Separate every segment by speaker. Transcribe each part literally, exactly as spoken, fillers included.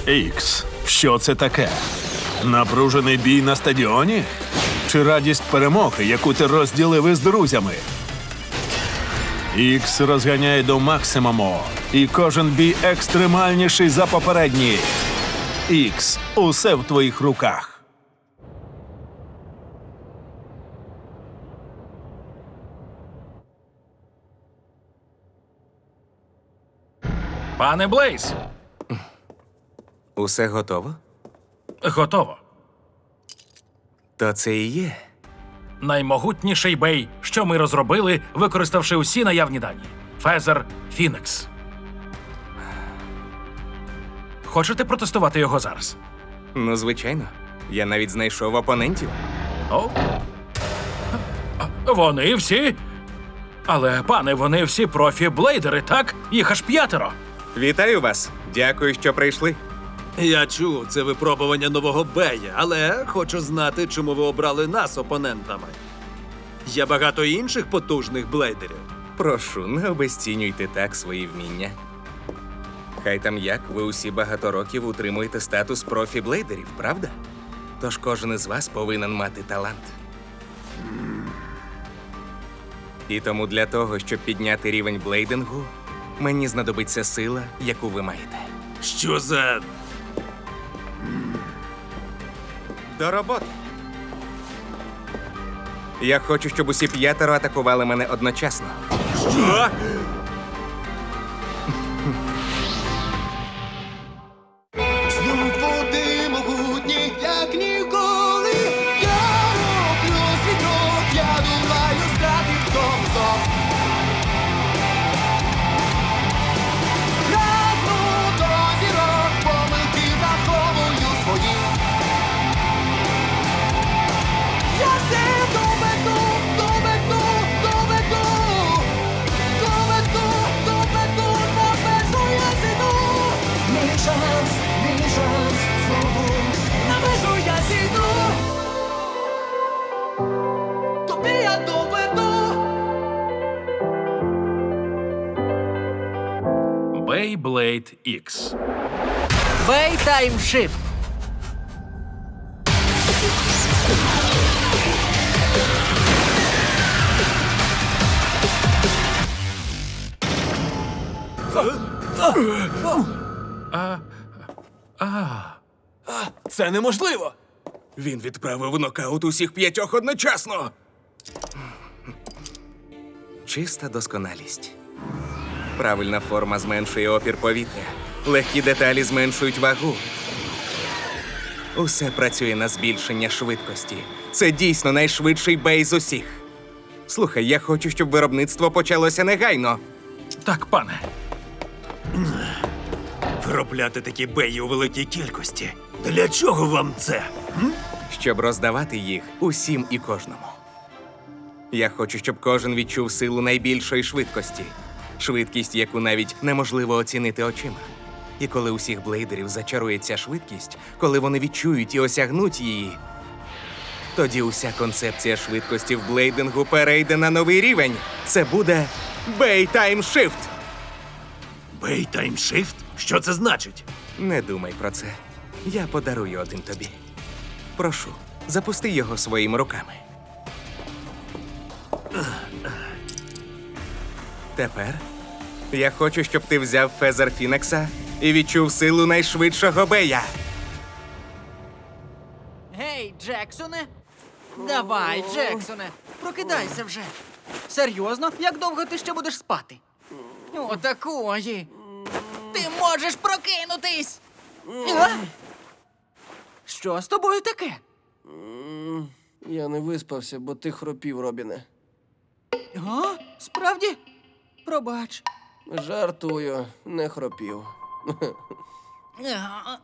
Speaker 1: Ікс, що це таке? Напружений бій на стадіоні? Чи радість перемоги, яку ти розділив із друзями? Ікс розганяє до максимуму, і кожен бій екстремальніший за попередній. Ікс, усе в твоїх руках.
Speaker 2: Пане Блейз,
Speaker 3: Усе готово?
Speaker 2: готово.
Speaker 3: То це і є.
Speaker 2: Наймогутніший бей, що ми розробили, використавши усі наявні дані. Фезер Фінекс. Хочете протестувати його зараз?
Speaker 3: Ну, звичайно. Я навіть знайшов опонентів.
Speaker 2: О? Вони всі? Але, пане, вони всі профі-блейдери, так? Їх аж п'ятеро.
Speaker 3: Вітаю вас. Дякую, що прийшли.
Speaker 4: Я чув, це випробування нового Бея, але хочу знати, чому ви обрали нас опонентами. Є багато інших потужних блейдерів.
Speaker 3: Прошу, не обезцінюйте так свої вміння. Хай там як, ви усі багато років утримуєте статус профі-блейдерів, правда? Тож кожен із вас повинен мати талант. І тому для того, щоб підняти рівень блейдингу, мені знадобиться сила, яку ви маєте.
Speaker 4: Що за...
Speaker 3: До роботи. Я хочу, щоб усі п'ятеро атакували мене одночасно.
Speaker 4: Що?
Speaker 5: Знов ти могутні, як ніколи. Я роблю свій крок, я думаю стати в тому знов. Прагну до зірок, помилки враховую свої. Я все доведу, доведу, доведу. Доведу, доведу, на межу я зійду. Мій шанс, мій шанс, знову на межу я зійду. Тобі я доведу.
Speaker 2: Beyblade Ікс.
Speaker 6: Бей таймшифт.
Speaker 4: Це неможливо!
Speaker 3: Він відправив в нокаут усіх п'ятьох одночасно. Чиста досконалість. Правильна форма зменшує опір повітря. Легкі деталі зменшують вагу. Усе працює на збільшення швидкості. Це дійсно найшвидший бей з усіх. Слухай, я хочу, щоб виробництво почалося негайно.
Speaker 2: Так, пане.
Speaker 4: Виробляти такі беї у великій кількості. Для чого вам це?
Speaker 3: Щоб роздавати їх усім і кожному. Я хочу, щоб кожен відчув силу найбільшої швидкості. Швидкість, яку навіть неможливо оцінити очима. І коли усіх блейдерів зачарує ця швидкість, коли вони відчують і осягнуть її, тоді уся концепція швидкості в блейдингу перейде на новий рівень. Це буде Бей Таймшифт.
Speaker 4: Бей таймшифт? Що це значить?
Speaker 3: Не думай про це. Я подарую один тобі. Прошу, запусти його своїми руками. Тепер я хочу, щоб ти взяв Фезер Фінекса і відчув силу найшвидшого бея.
Speaker 6: Гей, Джексоне. Давай, Джексоне, прокидайся вже. Серйозно? Як довго ти ще будеш спати? Отакої. Ти можеш прокинутись. А? Що з тобою таке?
Speaker 7: Я не виспався, бо ти хропів, Робіне.
Speaker 6: А? Справді? Пробач.
Speaker 7: Жартую, не хропів.
Speaker 6: А.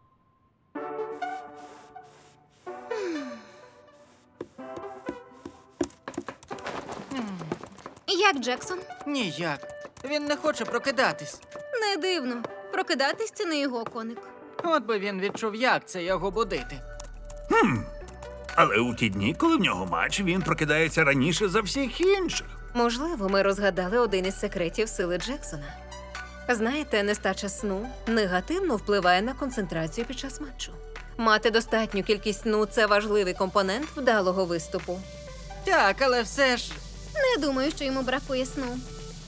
Speaker 8: Як Джексон?
Speaker 6: Ніяк. Він не хоче прокидатись.
Speaker 8: Не дивно. Прокидатись – це не його коник.
Speaker 6: От би він відчув, як це його будити.
Speaker 9: Але у ті дні, коли в нього матч, він прокидається раніше за всіх інших.
Speaker 8: Можливо, ми розгадали один із секретів сили Джексона.
Speaker 10: Знаєте, нестача сну негативно впливає на концентрацію під час матчу. Мати достатню кількість сну – це важливий компонент вдалого виступу.
Speaker 6: Так, але все ж.
Speaker 8: Не думаю, що йому бракує сну.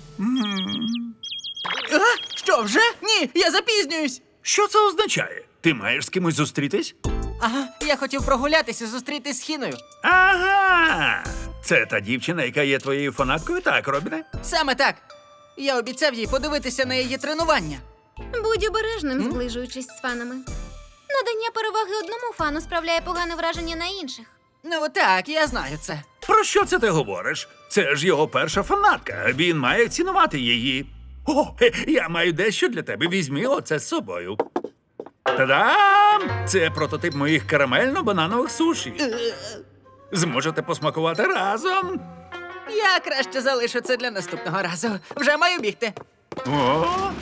Speaker 6: А? Що, вже? Ні, я запізнююсь.
Speaker 9: Що це означає? Ти маєш з кимось зустрітись?
Speaker 6: Ага, я хотів прогулятися, зустрітись з Хіною.
Speaker 9: Ага! Це та дівчина, яка є твоєю фанаткою, так, Робіне?
Speaker 6: Саме так. Я обіцяв їй подивитися на її тренування.
Speaker 8: Будь обережним, зближуючись з фанами. Надання переваги одному фану справляє погане враження на інших.
Speaker 6: Ну так, я знаю це.
Speaker 9: Про що це ти говориш? Це ж його перша фанатка. Він має цінувати її. О, хе, я маю дещо для тебе. Візьми оце з собою. Та-дам! Це прототип моїх карамельно-бананових суші. Зможете посмакувати разом.
Speaker 6: Я краще залишу це для наступного разу. Вже маю бігти.
Speaker 9: О!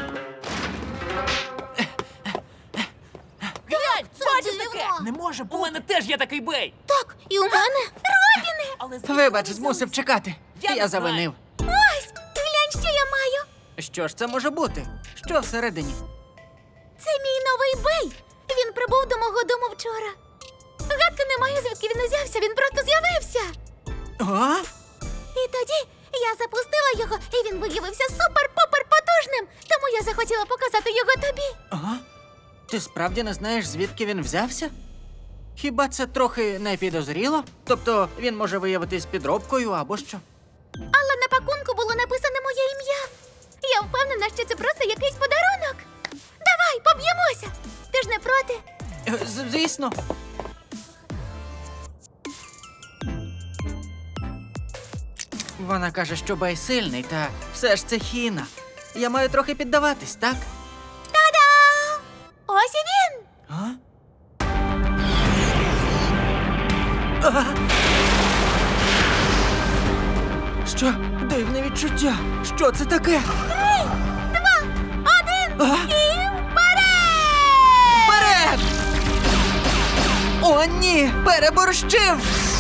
Speaker 8: Бачиш таке?
Speaker 6: Не може бути.
Speaker 11: У мене теж є такий бей.
Speaker 8: Так, і у мене. Робіне!
Speaker 11: Але звідки
Speaker 6: Вибач,
Speaker 11: вони
Speaker 6: змусив
Speaker 11: взялися?
Speaker 6: чекати.
Speaker 11: Я не
Speaker 6: Я
Speaker 11: знаю.
Speaker 6: завинив.
Speaker 8: Ось, глянь, що я маю.
Speaker 6: Що ж це може бути? Що всередині?
Speaker 8: Це мій новий бей. Він прибув до мого дому вчора. Гадки не маю, звідки він узявся, він просто з'явився.
Speaker 6: А?
Speaker 8: І тоді я запустила його, і він виявився супер-пупер потужним. Тому я захотіла показати його тобі.
Speaker 6: Ага. Ти справді не знаєш, звідки він взявся? Хіба це трохи не підозріло? Тобто він може виявитись підробкою або що?
Speaker 8: Але на пакунку було написане моє ім'я. Я впевнена, що це просто якийсь подарунок. Давай, поб'ємося. Ти ж не проти?
Speaker 6: Е, з- Звісно. Вона каже, що Бей сильний, та все ж це Хіна. Я маю трохи піддаватись, так?
Speaker 8: Та-да! Ось і він!
Speaker 6: А? А! Що? Дивне відчуття. Що це таке?
Speaker 8: Три, два, один
Speaker 6: А?
Speaker 8: і вперед!
Speaker 6: Вперед! О, ні! Переборщив!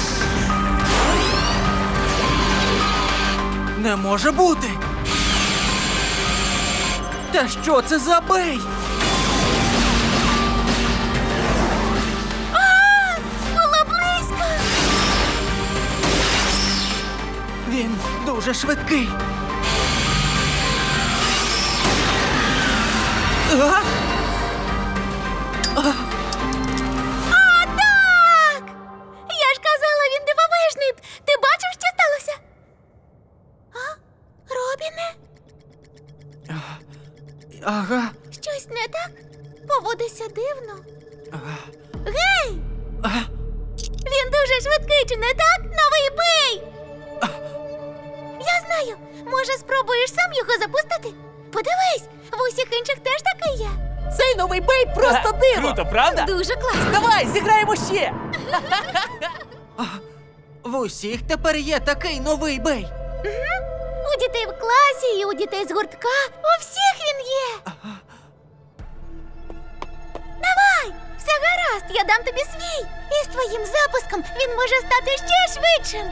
Speaker 6: Не може бути! Та що це за бей?
Speaker 8: А, було близько!
Speaker 6: Він дуже швидкий. А?
Speaker 8: О, так! Я ж казала, він дивовижний. Ти бачив, що сталося? А? Робіне?
Speaker 6: Ага.
Speaker 8: Щось не так? Поводиться дивно.
Speaker 6: Ага.
Speaker 8: Гей!
Speaker 6: А?
Speaker 8: Він дуже швидкий, чи не так? Новий бей! Я знаю. Може, спробуєш сам його запустити? Подивись, в усіх інших теж такий є.
Speaker 11: Цей новий бей просто диво. Круто, правда?
Speaker 8: Дуже класно.
Speaker 11: Давай, зіграємо ще.
Speaker 6: В усіх тепер є такий новий бей.
Speaker 8: У дітей в класі і у дітей з гуртка. У всіх він є. Давай, все гаразд, я дам тобі свій. І з твоїм запуском він може стати ще швидшим.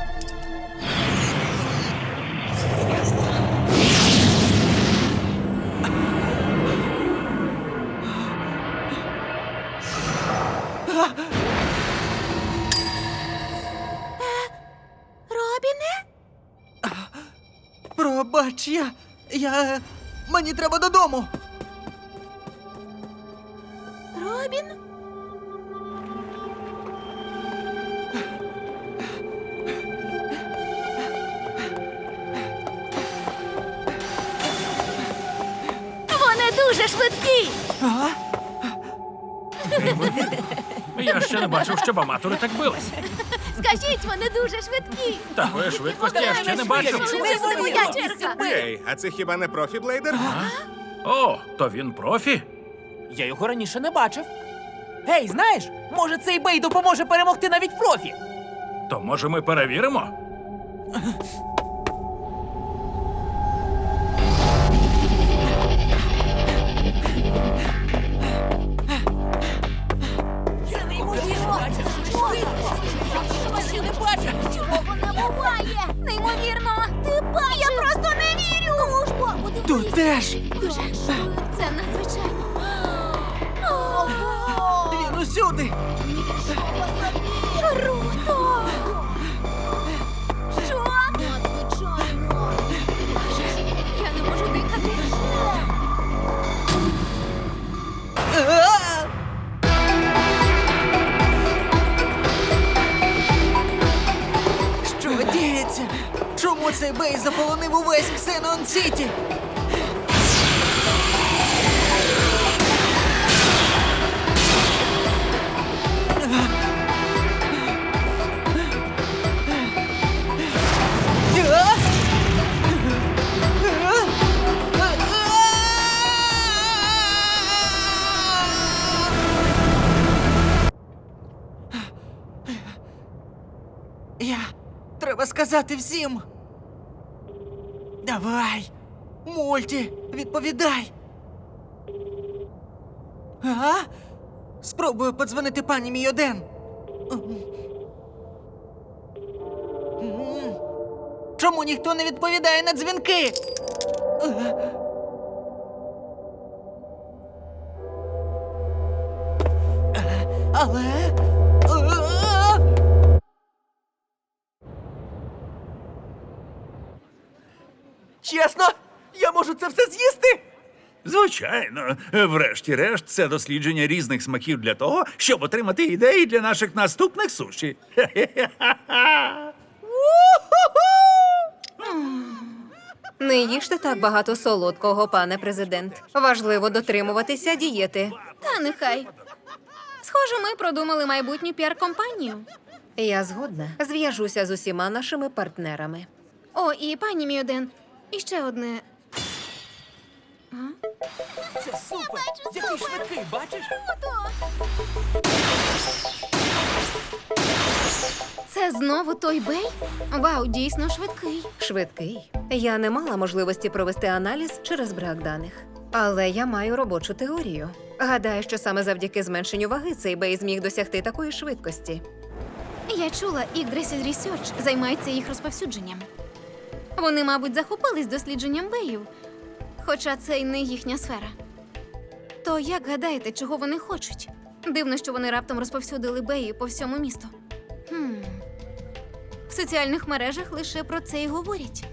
Speaker 8: Е, Робіне?
Speaker 6: Пробач, я. Я. Мені треба додому.
Speaker 8: Робін? Вони дуже швидкі.
Speaker 6: А?
Speaker 2: Я ще не бачив, щоб аматори так бились.
Speaker 8: Скажіть, вони дуже швидкі.
Speaker 2: Такої швидкості я ще не бачив.
Speaker 8: Це моя черга.
Speaker 3: Ей, а це хіба не профі блейдер?
Speaker 2: О, то він профі?
Speaker 11: Я його раніше не бачив. Гей, знаєш, може цей бей допоможе перемогти навіть профі.
Speaker 2: То може ми перевіримо?
Speaker 11: Це неймовірно. Ти не бачиш?
Speaker 8: Чого не буває? Неймовірно. Ти бачиш? Я просто не вірю. Ну ж бо,
Speaker 6: Тут теж.
Speaker 8: Дуже.
Speaker 6: Всюди!
Speaker 8: Круто! Що? Надзвичайно! Я не можу дихати.
Speaker 6: А! Що діється? Чому цей бей заполонив увесь Ксенон Сіті? Я... Треба сказати всім. Давай, Мульті, відповідай. А? Спробую подзвонити пані Мійоден. М. Чому ніхто не відповідає на дзвінки? Але...
Speaker 7: Чесно, я можу це все з'їсти?
Speaker 9: Звичайно, врешті-решт, це дослідження різних смаків для того, щоб отримати ідеї для наших наступних суші.
Speaker 10: Не їжте так багато солодкого, пане президент. Важливо дотримуватися дієти.
Speaker 8: Та нехай. Схоже, ми продумали майбутню піар-компанію.
Speaker 10: Я згодна. Зв'яжуся з усіма нашими партнерами.
Speaker 8: О, і пані Мійоден, і ще одне.
Speaker 11: Це супер! Який швидкий, бачиш?
Speaker 8: Це знову той бей? Вау, дійсно швидкий.
Speaker 10: Швидкий. Я не мала можливості провести аналіз через брак даних. Але я маю робочу теорію. Гадаю, що саме завдяки зменшенню ваги цей бей зміг досягти такої швидкості.
Speaker 8: Я чула, Yggdrasil Research займається їх розповсюдженням. Вони, мабуть, захопились дослідженням беїв, хоча це й не їхня сфера. То як гадаєте, чого вони хочуть? Дивно, що вони раптом розповсюдили беї по всьому місту. Хм. В соціальних мережах лише про це й говорять.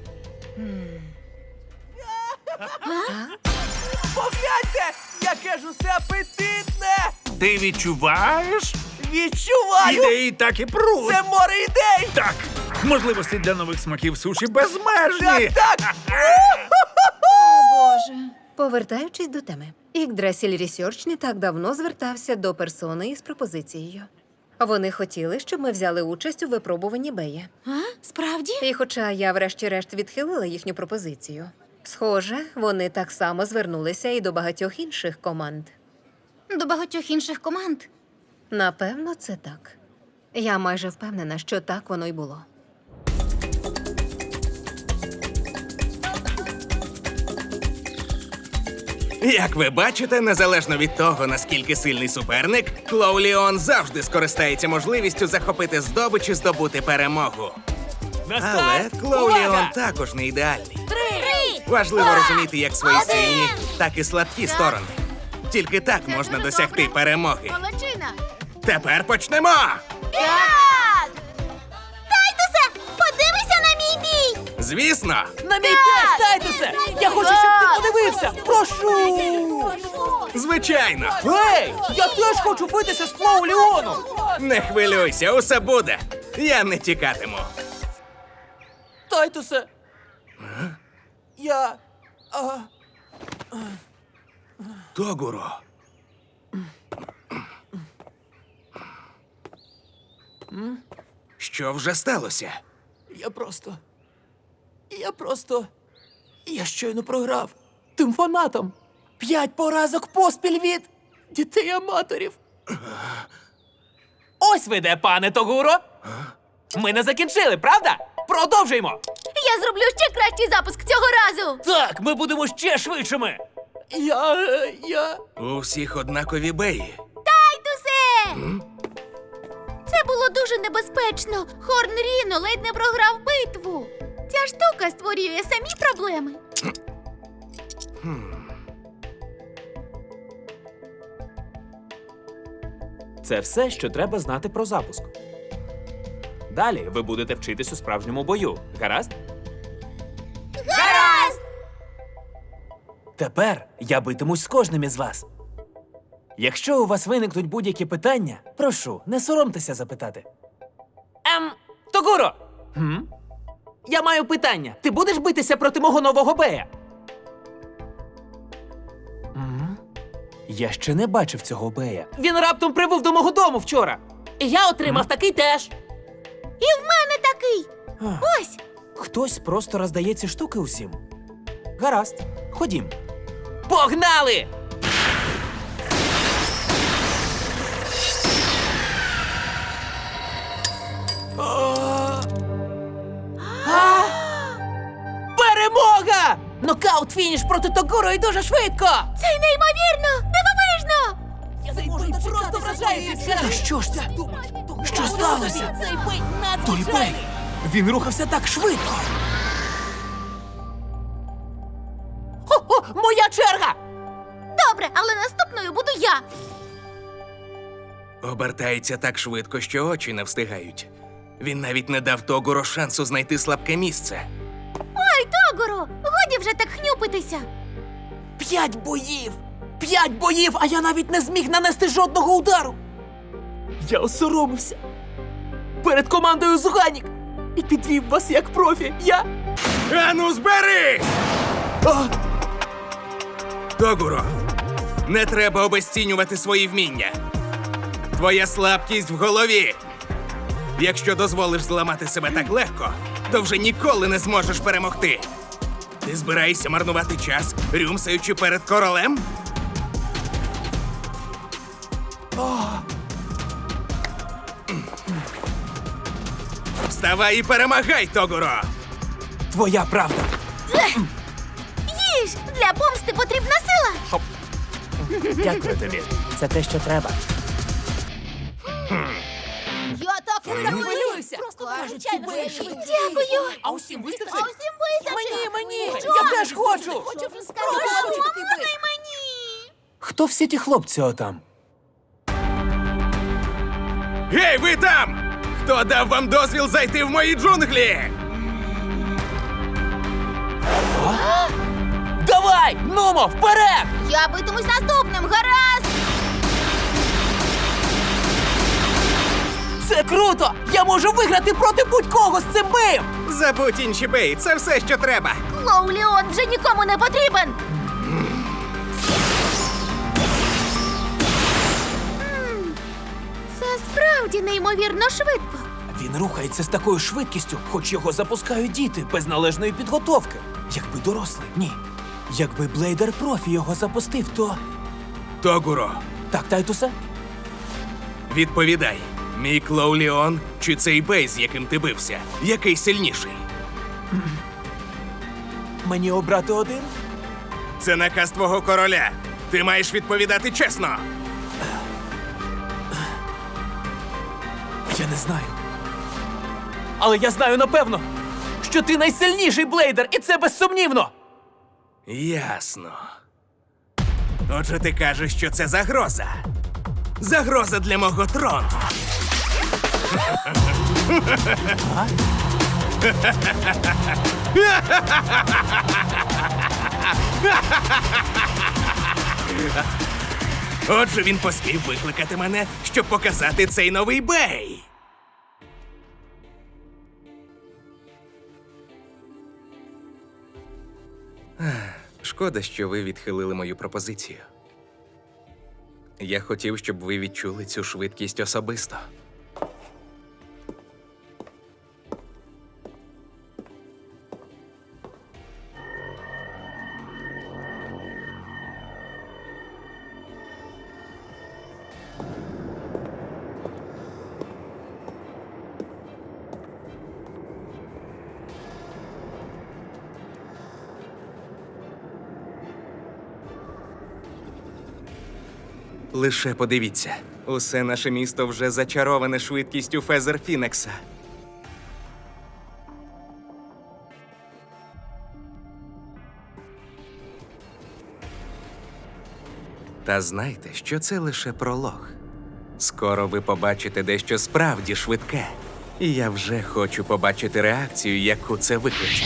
Speaker 7: Погляньте, яке ж усе апетитне!
Speaker 9: Ти відчуваєш?
Speaker 7: Відчуваю!
Speaker 9: Ідеї так і пруть.
Speaker 7: Це море ідей!
Speaker 9: Так, можливості для нових смаків суші безмежні.
Speaker 7: Так, так!
Speaker 8: Боже.
Speaker 10: Повертаючись до теми, Yggdrasil Research не так давно звертався до персони із пропозицією. Вони хотіли, щоб ми взяли участь у випробуванні бея.
Speaker 8: А? Справді?
Speaker 10: І хоча я врешті-решт відхилила їхню пропозицію, схоже, вони так само звернулися і до багатьох інших команд.
Speaker 8: До багатьох інших команд.
Speaker 10: Напевно, це так. Я майже впевнена, що так воно й було.
Speaker 3: Як ви бачите, незалежно від того, наскільки сильний суперник, Клоуліон завжди скористається можливістю захопити здобич і здобути перемогу. Але Клоуліон також не ідеальний.
Speaker 8: Три!
Speaker 3: Важливо розуміти як свої сильні, так і слабкі сторони. Тільки так можна досягти перемоги.
Speaker 8: Молодчина!
Speaker 3: Тепер почнемо!
Speaker 8: Так! Тайтусе, подивися на мій бій!
Speaker 3: Звісно!
Speaker 11: На мій теж, Тайтусе! Я хочу, щоб ти подивився! Прошу!
Speaker 3: Звичайно!
Speaker 11: Ей! Я теж хочу битися з Клоуліоном!
Speaker 3: Не хвилюйся, усе буде. Я не тікатиму.
Speaker 11: Тайтусе! Я... А...
Speaker 3: Тогуро. Що вже сталося?
Speaker 11: Я просто... Я просто... Я щойно програв. Тим фанатам. П'ять поразок поспіль від дітей-аматорів. Ось ви де, пане Тогуро. Ми не закінчили, правда? Продовжуємо.
Speaker 8: Я зроблю ще кращий запуск цього разу!
Speaker 11: Так, ми будемо ще швидшими. Я... е, я...
Speaker 3: У всіх однакові беї.
Speaker 8: Тайтусе! Це було дуже небезпечно. Хорн Ріно ледь не програв битву. Ця штука створює самі проблеми.
Speaker 11: Це все, що треба знати про запуск. Далі ви будете вчитись у справжньому бою. Гаразд?
Speaker 8: Гаразд!
Speaker 11: Тепер я битимусь з кожним із вас. Якщо у вас виникнуть будь-які питання, прошу, не соромтеся запитати.
Speaker 12: Ем, Тогуро!
Speaker 11: Хм?
Speaker 12: Я маю питання. Ти будеш битися проти мого нового бея?
Speaker 11: М? Я ще не бачив цього бея.
Speaker 12: Він раптом прибув до мого дому вчора. І я отримав такий теж.
Speaker 8: І в мене такий!
Speaker 11: Ах.
Speaker 8: Ось!
Speaker 11: Хтось просто роздає ці штуки усім. Гаразд, ходім.
Speaker 12: Погнали! А! Перемога! Нокаут фініш проти Тогуро і дуже швидко!
Speaker 8: Це неймовірно! Дивовижно!
Speaker 12: Цей бой просто вражається!
Speaker 11: Та що ж це? Що сталося?
Speaker 12: Цей бой
Speaker 11: Той бей!
Speaker 12: надзвичайний!
Speaker 11: Він рухався так швидко!
Speaker 12: О, моя черга!
Speaker 8: Добре, але наступною буду я!
Speaker 3: Обертається так швидко, що очі не встигають. Він навіть не дав Тогуро шансу знайти слабке місце.
Speaker 8: Ой, Тогуро! Годі вже так хнюпитися!
Speaker 12: П'ять боїв! П'ять боїв, а я навіть не зміг нанести жодного удару! Я осоромився перед командою Зуганік і підвів вас як профі. Я...
Speaker 3: Ану, збери! Тогуро, не треба обесцінювати свої вміння. Твоя слабкість в голові. Якщо дозволиш зламати себе так легко, то вже ніколи не зможеш перемогти. Ти збираєшся марнувати час, рюмсаючи перед королем? Вставай і перемагай, Тогуро!
Speaker 11: Твоя правда.
Speaker 8: Їж! Для помсти потрібна сила!
Speaker 11: Дякую тобі. Це те, що треба.
Speaker 8: Я так
Speaker 12: Не хвилюйся!
Speaker 8: Просто
Speaker 12: Кажуть, ці бої швидкі.
Speaker 8: Дякую!
Speaker 12: А усім вистачить?
Speaker 8: А усім вистачить!
Speaker 12: Мені, мені!
Speaker 8: Що?
Speaker 12: Я теж хочу!
Speaker 8: Хочу
Speaker 12: Прошу, такий бей.
Speaker 8: можна й мені!
Speaker 11: Хто всі ті хлопці отам?
Speaker 3: Гей, ви там! Хто дав вам дозвіл зайти в мої джунглі?
Speaker 12: Давай! Нумо, вперед!
Speaker 8: Я битимусь наступним, гаразд!
Speaker 12: Це круто! Я можу виграти проти будь-кого з цим беєм!
Speaker 3: Забудь інші бей, це все, що треба.
Speaker 8: Клоу Леон вже нікому не потрібен! М, Це справді неймовірно швидко.
Speaker 11: Він рухається з такою швидкістю, хоч його запускають діти без належної підготовки. Якби дорослий, ні. Якби Блейдер Профі його запустив, то.
Speaker 3: Тогуро,
Speaker 11: Так, Тайтусе?
Speaker 3: відповідай. Мій Клоу Леон чи цей бей, з яким ти бився? Який сильніший?
Speaker 11: Мені обрати один?
Speaker 3: Це наказ твого короля. Ти маєш відповідати чесно.
Speaker 11: Я не знаю.
Speaker 12: Але я знаю напевно, що ти найсильніший блейдер, і це безсумнівно!
Speaker 3: Ясно. Отже, ти кажеш, що це загроза. Загроза для мого трону. Отже, він поспів викликати мене, щоб показати цей новий бей. Шкода, що ви відхилили мою пропозицію. Я хотів, щоб ви відчули цю швидкість особисто. Лише подивіться, усе наше місто вже зачароване швидкістю Фезер Фінекса. Та знайте, що це лише пролог. Скоро ви побачите дещо справді швидке. І я вже хочу побачити реакцію, яку це викличе.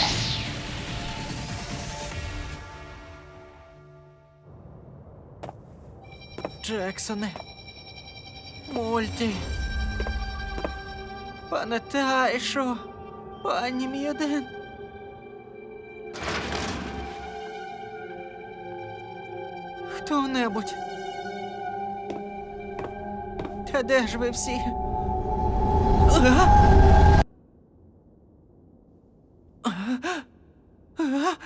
Speaker 6: Джексоне. Мульті. Пане Тайшо. Пані М'єден. Хто-небудь. Та де ж ви всі? А? А?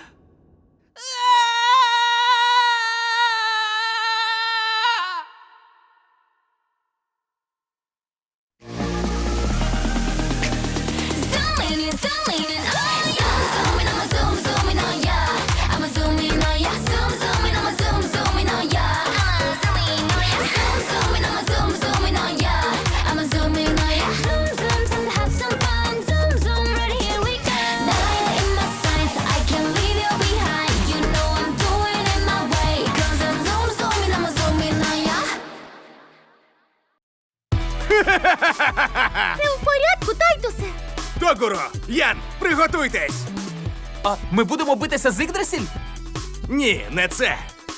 Speaker 5: Zooming in, zooming in, oh yeah. Zooming, I'ma zoom, zooming, oh yeah. I'ma zoom in, oh yeah. Zoom, zooming, I'ma zoom, zooming, oh yeah. I'ma zoom in, oh yeah. Zoom, zooming, I'ma zoom, zooming, oh yeah. I'ma zoom in, oh yeah. Zoom, zoom, zoom, have some fun. Zoom, zoom, right here we go. Nine in my sights, I can't leave you behind. You know I'm doing it my way. 'Cause I'm zoom, zooming, I'ma zoom in, oh yeah.
Speaker 8: Ти в порядку, Тайтусе?
Speaker 3: Догуро! Ян, приготуйтесь!
Speaker 12: А ми будемо битися з Ігдрасіль?
Speaker 3: Ні, не це.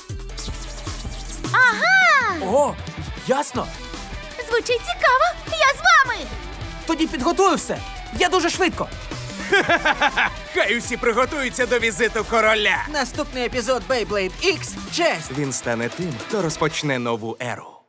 Speaker 8: Ага!
Speaker 12: О, ясно.
Speaker 8: Звучить цікаво. Я з вами.
Speaker 12: Тоді підготую все. Я дуже швидко.
Speaker 3: Хай усі приготуються до візиту короля.
Speaker 6: Наступний епізод Beyblade X – честь.
Speaker 3: Він стане тим, хто розпочне нову еру.